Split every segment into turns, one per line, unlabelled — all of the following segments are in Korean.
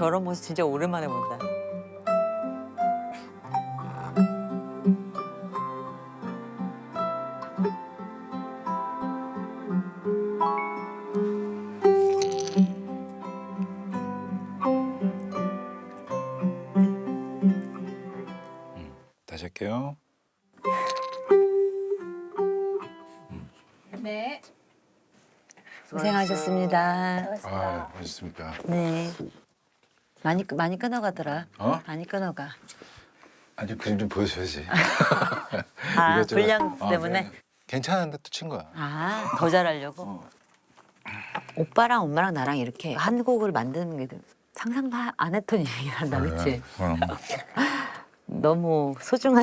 저런 모습 진짜 오랜만에 본다.
다시 할게요.
네.
고생하셨습니다.
아, 맛있습니까?
네. 많이 끊어가더라.
어?
많이 끊어가.
아니 그림 좀 보여줘야지.
아,
이것저것.
분량
아,
때문에?
그래. 괜찮은데 또 친 거야.
아, 더 잘하려고? 오빠랑 엄마랑 나랑 이렇게 한 곡을 만드는 게 상상도 안 했던 일이란다, 그치? 너무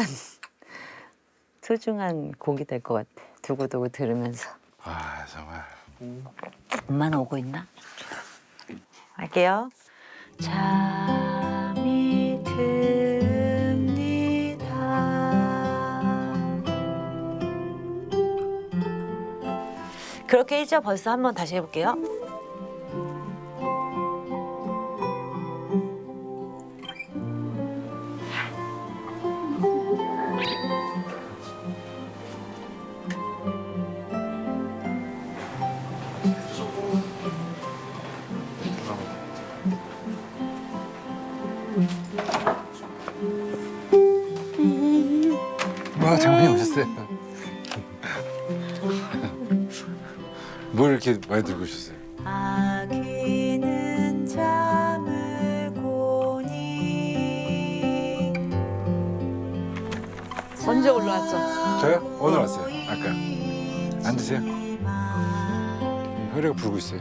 소중한 곡이 될 것 같아. 두고두고 들으면서.
아 정말.
엄마는 오고 있나? 할게요. 잠이 듭니다. 그렇게 1절 벌써 한번 다시 해볼게요.
와 장모님 오셨어요. 뭘 이렇게 많이 들고 오셨어요?
아기는 잠을 고니.
언제 올라왔어?
저요? 오늘 왔어요. 아까. 앉으세요. 효리가 부르고 있어요.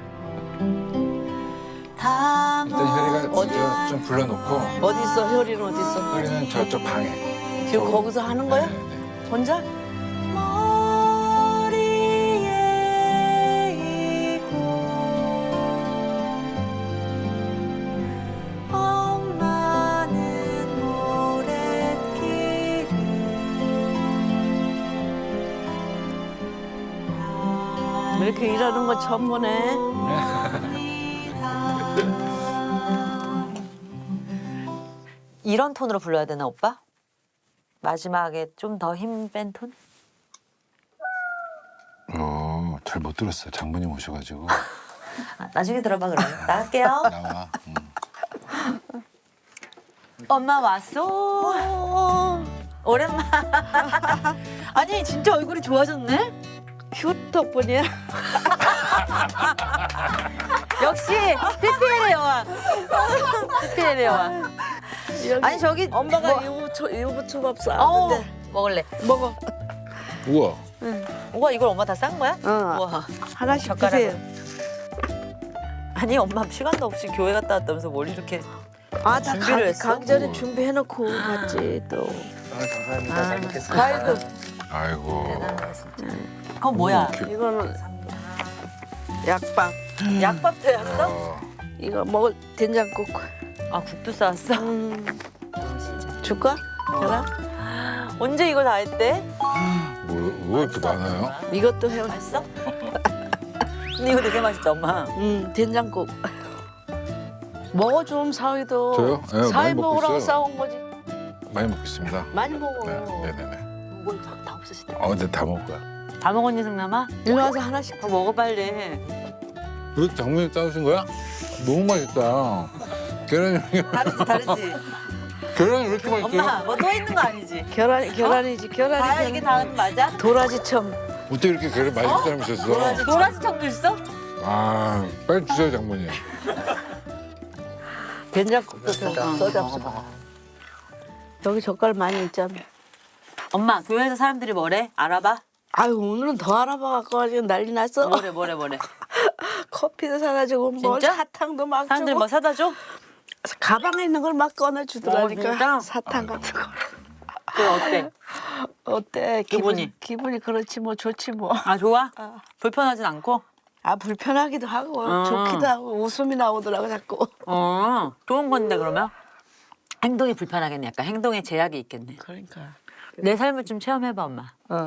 일단 효리가 먼저 좀 불러놓고
어디 있어? 효리는 어디 있어?
효리는 저쪽 방에.
지금 거기서 하는 거야?
네네.
혼자?
머리에 이고 엄마는 모래길을
이렇게 일하는 거 처음 보네.
이런 톤으로 불러야 되나 오빠? 마지막에 좀 더 힘 뺀 톤?
잘 못 들었어. 장모님 오셔가지고.
아, 나중에 들어봐 그럼. 나갈게요.
나와.
엄마 왔어. 오랜만. 아니 진짜 얼굴이 좋아졌네.
휴 덕분이야.
역시 PPL의 여왕. PPL의 여왕. 아니 저기
엄마가
뭐,
유부초밥
어우,
싸는데
먹을래.
먹어.
우와.
우와 이걸 엄마 다 싼 거야?
어.
우와.
하나씩
젓가락으로.
드세요.
아니 엄마 시간도 없이 교회 갔다 왔다면서 뭘 이렇게
아, 다
준비를 했어?
가기 전에 준비해놓고 갔지 또.
감사합니다. 잘 먹겠습니다.
과일도
아이고.
그건 뭐야?
이거는 약밥.
약밥도 했어?
이거 먹을 된장국.
아 국도 싸왔어?
줄까? 되나?
언제 이걸 다 했대?
뭐 이렇게 많아요?
이것도 해.
맛있어? 근데 이거 되게 맛있다 엄마.
된장국. 먹어 좀 사위도.
저요? 네,
사위
많이 먹고
먹으라고
있어요.
싸온 거지.
많이 먹겠습니다.
많이 먹어.
네, 네네네.
이걸 다 없으시다.
근데 다 먹을 거야.
다 먹었니 승남아?
일로 와서 하나씩.
그거 먹어 빨리.
이거 장모님 싸우신 거야? 너무 맛있다. 계란이
다르지.
계란이 왜 이렇게 맛있어요?
엄마 뭐 또 있는 거 아니지?
계란이지. 계란이.
다야 이게 다음 맞아?
도라지청.
어떻게 이렇게 계란 맛있는 사람이 있었어?
도라지청도 있어?
아, 빨리 주세요 장모님.
된장국도 써잡수 여기 젓갈 많이 있잖아.
엄마 교회에서 사람들이 뭐래? 알아봐?
아유 오늘은 더 알아봐갖고 아주 난리 났어.
뭐래?
커피도 사다 주고 뭐
진짜?
사탕도 막
사람들이
주고
뭐 사다 줘?
가방에 있는 걸 막 꺼내주더라니까.
진짜?
사탕 같은 거.
그게 어때?
어때?
기분이?
기분이 그렇지 뭐 좋지 뭐.
아 좋아? 불편하진 않고?
아 불편하기도 하고
어.
좋기도 하고 웃음이 나오더라고 자꾸.
좋은 건데 그러면? 행동이 불편하겠네. 약간 행동에 제약이 있겠네.
그러니까.
내 삶을 좀 체험해봐 엄마.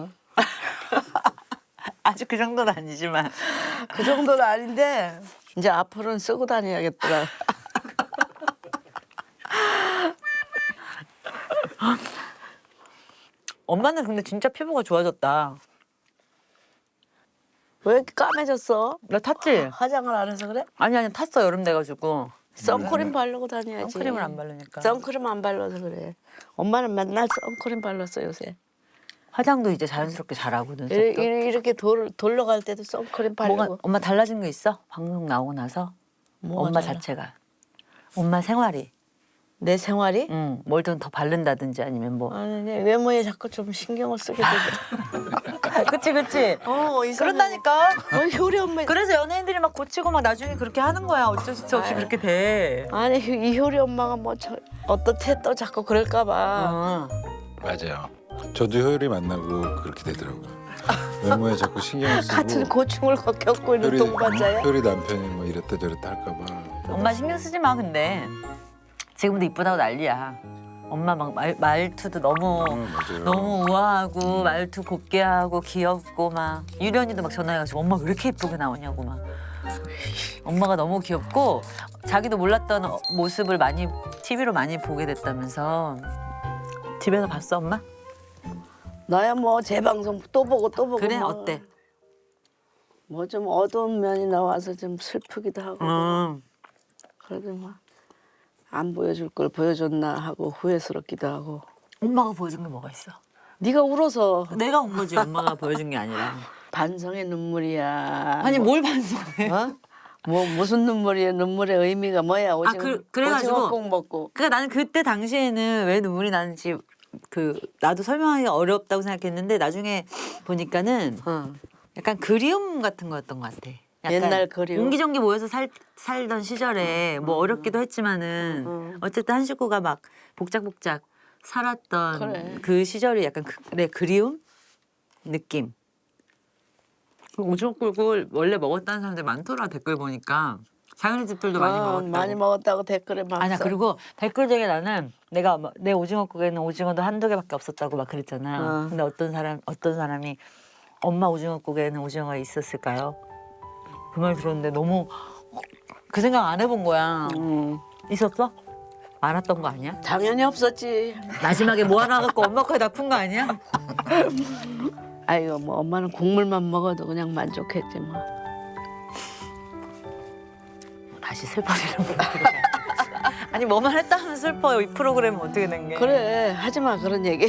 아주 그 정도는 아니지만.
그 정도는 아닌데 이제 앞으로는 쓰고 다녀야겠더라.
엄마는 근데 진짜 피부가 좋아졌다.
왜 이렇게 까매졌어?
나 탔지?
화장을 안 해서 그래?
아니 탔어 여름 돼가지고.
선크림 바르고 다녀야지.
선크림을 안 바르니까.
선크림 안 발라서 그래. 엄마는 맨날 선크림 발랐어 요새.
화장도 이제 자연스럽게 잘하고 눈썹도.
이렇게 돌러 갈 때도 선크림 바르고.
뭐가 엄마 달라진 거 있어? 방송 나오고 나서
뭐가
엄마
달라?
자체가 엄마 생활이
내 생활이?
뭘 좀 더 바른다든지 아니면 뭐
아니 내 외모에 자꾸 좀 신경을 쓰게 되더라.
그치
이상해.
그런다니까
효리 엄마.
그래서 연예인들이 막 고치고 막 나중에 그렇게 하는 거야 어쩔 수 없이
아유.
그렇게 돼
아니 이 효리 엄마가 뭐 어떻대 또 자꾸 그럴까봐.
맞아요. 저도 효율이 만나고 그렇게 되더라고요. 외모에 자꾸 신경을 쓰고.
같은 고충을 겪고 있는
효리-
동반자야.
효리 남편이 뭐 이랬다 저랬다 할까봐.
엄마 신경 쓰지 마 근데 지금도 이쁘다고 난리야 엄마 막 말투도 너무
맞아요.
너무 우아하고 말투 곱게 하고 귀엽고 막 유련이도 막 전화해가지고 엄마 왜 이렇게 예쁘게 나오냐고 막 엄마가 너무 귀엽고 자기도 몰랐던 모습을 많이 TV로 많이 보게 됐다면서 집에서 봤어 엄마?
나야 뭐 재방송 또 보고 또 보고.
그래
뭐.
어때?
뭐 좀 어두운 면이 나와서 좀 슬프기도 하고. 그래도 뭐 안 보여줄 걸 보여줬나 하고 후회스럽기도 하고.
엄마가 보여준 게 뭐가 있어?
네가 울어서
내가 온 거지 엄마가 보여준 게 아니라
반성의 눈물이야.
아니
뭐,
뭘 반성해
어? 뭐 무슨 눈물이야? 눈물의 의미가 뭐야?
그래가지고
오징어 꼭 먹고.
그러니까 나는 그때 당시에는 왜 눈물이 나는지 나도 설명하기가 어렵다고 생각했는데 나중에 보니까는 약간 그리움 같은 거였던 것 같아. 약간
옛날 그리움?
옹기종기 모여서 살던 시절에 뭐 어렵기도 했지만은 어쨌든 한 식구가 막 복작복작 살았던
그래.
그 시절이 약간 그리움 느낌. 오징어 꿀꿀 원래 먹었다는 사람들 많더라 댓글 보니까 장현이 집들도 많이 먹었다고.
많이 먹었다고 댓글에 막.
아니야 그리고 댓글 중에 나는 내가 내 오징어국에는 오징어도 한두 개밖에 없었다고 막 그랬잖아. 근데 어떤 사람이 엄마 오징어국에는 오징어가 있었을까요? 그 말 들었는데 너무 그 생각 안 해본 거야. 있었어? 많았던 거 아니야?
당연히 없었지.
마지막에 뭐 하나 갖고 엄마 거에 납푼 거 아니야?
아이고 뭐 엄마는 국물만 먹어도 그냥 만족했지 뭐.
다시 슬퍼지는 거. 아니 뭐만 했다 하면 슬퍼요. 이 프로그램은 어떻게 된 게?
그래 하지 마 그런 얘기.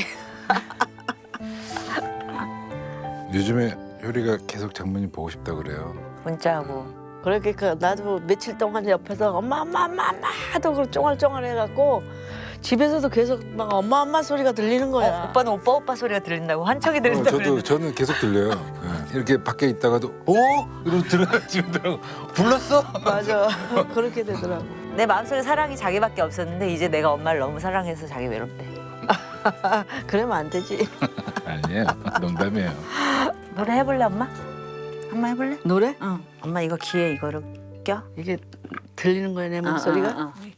요즘에 효리가 계속 장모님 보고 싶다 그래요.
문자하고.
그렇게 나도 며칠 동안 옆에서 엄마 하도 그 쫑알쫑알 해갖고 집에서도 계속 막 엄마 소리가 들리는 거야.
오빠는 오빠 소리가 들린다고 한척이 들린다고 그랬는데.
저는 계속 들려요. 예. 이렇게 밖에 있다가도 이러고 들어가지고 불렀어?
맞아. 그렇게 되더라고.
내 마음속에 사랑이 자기밖에 없었는데 이제 내가 엄마를 너무 사랑해서 자기 외롭대.
그러면 안 되지.
아니에요. 농담이에요.
노래 해볼래 엄마? 한번 해볼래?
노래?
응. 엄마 이거 귀에 이거를 껴?
이게 들리는 거야 내 목소리가?
응.